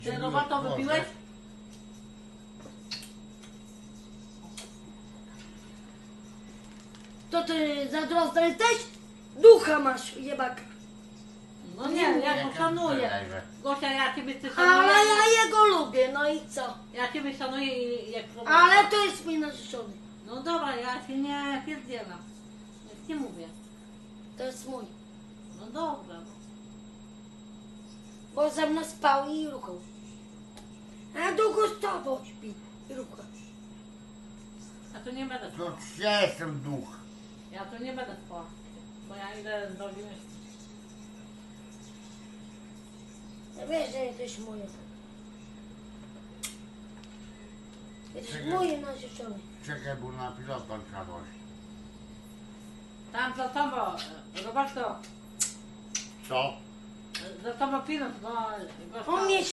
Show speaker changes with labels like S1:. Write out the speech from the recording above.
S1: Ty Roberto wypiłeś?
S2: To ty zazdrosny jesteś? Ducha masz, jebaka.
S1: No nie, ja go szanuję. Gosia, ja ciebie ty
S2: Ale
S1: szanuję.
S2: ja jego lubię, no i co?
S1: Ja ciebie szanuję i jak Roberto.
S2: Ale to jest mój narzeczony.
S1: No dobra, ja się nie pierdzielam. Jak ci mówię.
S2: To jest mój.
S1: No dobra.
S2: Bo ze mną spał i ruchał. A długo z tobą śpi i rucha.
S1: Ja tu nie będę spała.
S3: To ja jestem duch.
S1: Ja tu nie będę spała. Bo ja idę do Winy.
S2: Ja wiesz, że jesteś mój. Jesteś
S3: Czekaj.
S2: mój narzeczony.
S3: Czekaj, bo na pilota trzeba dojść.
S1: Tam za tobą, Roberto.
S3: Co?
S1: Za tobą pilot, bo...
S2: On mnie